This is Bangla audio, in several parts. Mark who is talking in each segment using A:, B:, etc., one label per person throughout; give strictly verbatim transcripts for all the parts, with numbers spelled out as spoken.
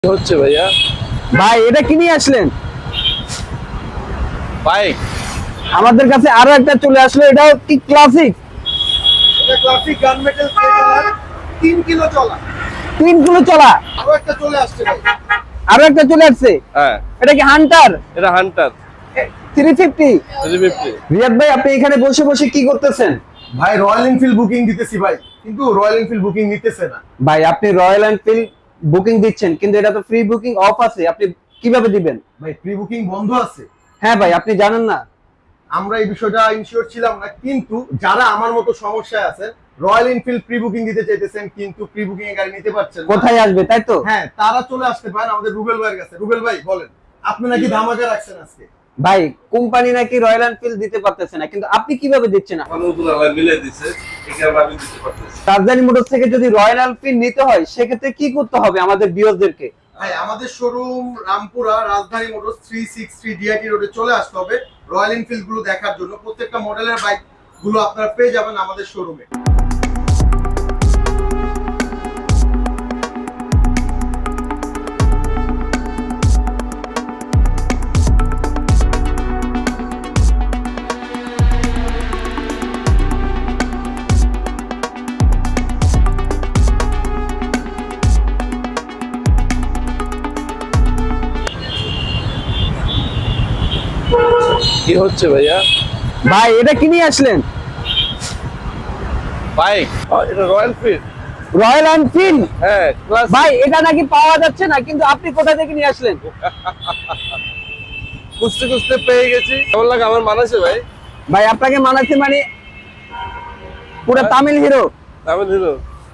A: হচ্ছে ভাইয়া
B: ভাই এটা কি নিয়ে আসলেন?
A: বাইক।
B: আমাদের কাছে আরো একটা চলে আসলো, এটাও কি ক্লাসিক?
C: এটা classic gun metal grey colour তিন কিলো চলা।
B: তিন কিলো চলা
C: আরো একটা চলে আসছে ভাই।
B: আরো একটা চলে আসছে।
A: হ্যাঁ,
B: এটা কি হান্টার
A: এটা hunter
B: three fifty?
A: Three fifty.
B: Riyad ভাই, আপনি এখানে বসে বসে কি করতেছেন?
C: ভাই রয়্যাল এনফিল্ড বুকিং দিতেছি ভাই, কিন্তু রয়্যাল এনফিল্ড বুকিং নিতেছে না।
B: ভাই আপনি রয়্যাল এনফিল্ড বুকিং দিচ্ছেন, কিন্তু এটা তো ফ্রি বুকিং অফ আছে, আপনি কিভাবে দিবেন?
C: ভাই প্রি বুকিং বন্ধ আছে।
B: হ্যাঁ ভাই, আপনি জানেন না?
C: আমরা এই বিষয়টা ইনশিওর ছিলাম না, কিন্তু যারা আমার মতো সমস্যায় আছে রয়্যাল এনফিল্ড প্রি বুকিং দিতে চাইতেছেন কিন্তু প্রি বুকিং এ গাড়ি নিতে পারছেন না।
B: কোথায় আসবে, তাই তো?
C: হ্যাঁ, তারা চলে আসতে পারেন আমাদের রুবেল ভাইয়ের কাছে। রুবেল ভাই বলেন, আপনি নাকি ধামাকা রাখছেন আজকে?
B: ভাই কোম্পানি নাকি রয়্যাল এনফিল্ড দিতে পারতেছে না, কিন্তু আপনি কিভাবে দিচ্ছেন?
A: নতুন আল্লাহ মিলে দিছে, এই কারণে আমি দিতে পারতেছি।
B: রাজধানী মোটরস থেকে যদি রয়্যাল এনফিল্ড নিতে হয়, সেক্ষেত্রে কি করতে হবে আমাদের ভিউয়ারদেরকে?
C: ভাই আমাদের showroom Rampura Rajdhani motors three six three DIT রোডে চলে আসতে হবে রয়্যাল এনফিল্ড গুলো দেখার জন্য। প্রত্যেকটা মডেলের বাইক গুলো আপনারা পেয়ে যাবেন আমাদের শোরুমে।
A: কি হচ্ছে ভাইয়া?
B: ভাই এটা কি নিয়ে আসলেন?
A: বাইক। এটা রয়্যাল ফিল্ড।
B: Royal Enfield?
A: হ্যাঁ, ক্লাস।
B: ভাই এটা নাকি পাওয়া যাচ্ছে না, কিন্তু আপনি কোথা থেকে নিয়ে আসলেন?
A: খুঁজতে খুঁজতে পেয়ে গেছি। কেমন লাগে আমার মানাছে ভাই?
B: ভাই আপনাকে মানাচ্ছে মানে পুরো তামিল হিরো।
A: আমি দিল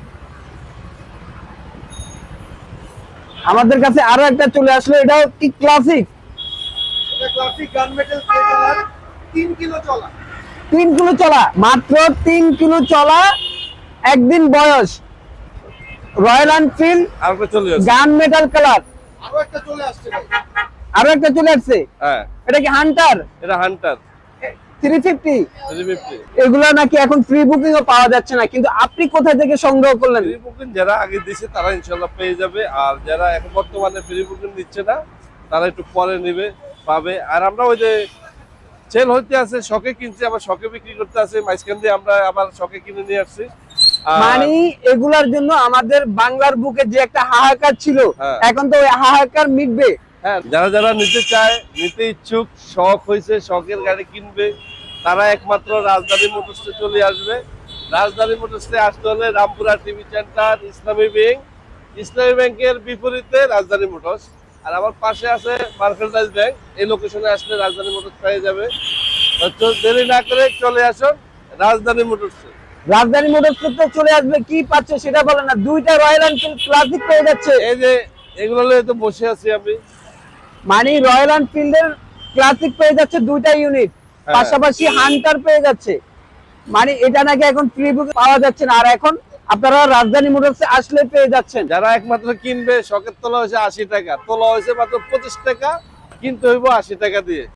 B: আমাদের কাছে আরো একটা চলে আসলো, এটাও কি ক্লাসিক?
C: এটা classic gun metal grey colour তিন কিলো চলা।
B: তিন কিলো চলা, মাত্র তিন কিলো চলা, একদিন বয়স, রয়্যাল এনফিল্ড
A: আর চলে যাচ্ছে।
B: গান মেটাল কালার।
C: আরো একটা চলে আসছে ভাই।
B: আরো একটা চলে আসছে।
A: হ্যাঁ,
B: এটা কি হান্টার
A: এটা hunter
B: three fifty?
A: Three fifty.
B: এগুলো নাকি এখন ফ্রি বুকিং ও পাওয়া যাচ্ছে না, কিন্তু আপনি কোথা থেকে সংগ্রহ করলেন?
A: ফ্রি বুকিং যারা আগে দিয়েছে তারা ইনশাল্লাহ পেয়ে যাবে, আর যারা এখন বর্তমানে ফ্রি বুকিং দিচ্ছে না তারা একটু পরে নেবে, পাবে। আর আমরা ওই যে সেল হইতে আছে, শখে কিনছি, আবার শখে বিক্রি করতে আছে, মাঝখান দিয়ে আমরা আবার শখে কিনে নিয়ে আসছি। আর
B: মানে এগুলার জন্য আমাদের বাংলার বুকে যে একটা হাহাকার ছিল,
A: হ্যাঁ।
B: এখন তো ওই হাহাকার মিটবে।
A: হ্যাঁ, যারা যারা নিতে চায়, নিতে ইচ্ছুক, শখ হয়েছে, শখের গাড়ি কিনবে, তারা একমাত্র রাজধানী মোটরসে চলে আসবে। রাজধানী মোটরসে আসতে হলে Rampura TV centre, Islami bank, Islami ব্যাংকের বিপরীতে রাজধানী মোটরস। আর আমার পাশে আছে মার্কেন্টাইজ ব্যাংক। এই লোকেশনে আসলে রাজধানী মোটরস পেয়ে যাবে। তো দেরি না করে চলে আসুন রাজধানী মোটরসে।
B: রাজধানী মোটরস তো চলে আসবে, কি পাচ্ছে সেটা বলেন না। দুইটা রয়্যাল এনফিল্ড ক্লাসিক পেয়ে যাচ্ছে।
A: এই যে এগুলো নিয়ে তো বসে আছি আমি।
B: মানে রয়্যাল এনফিল্ডের ক্লাসিক পেয়ে যাচ্ছে দুইটা ইউনিট,
A: হ্যাঁ।
B: পাশাপাশি হান্টার পেয়ে যাচ্ছে। মানে এটা নাকি এখন ফ্রি বুক পাওয়া যাচ্ছে না, আর এখন আপনারা রাজধানী মোটরসে আসলে পেয়ে যাচ্ছেন।
A: যারা একমাত্র কিনবে, শখের তোলা হয়েছে আশি টাকা, তোলা হয়েছে মাত্র পঁচিশ টাকা, কিনতে হইব আশি টাকা দিয়ে।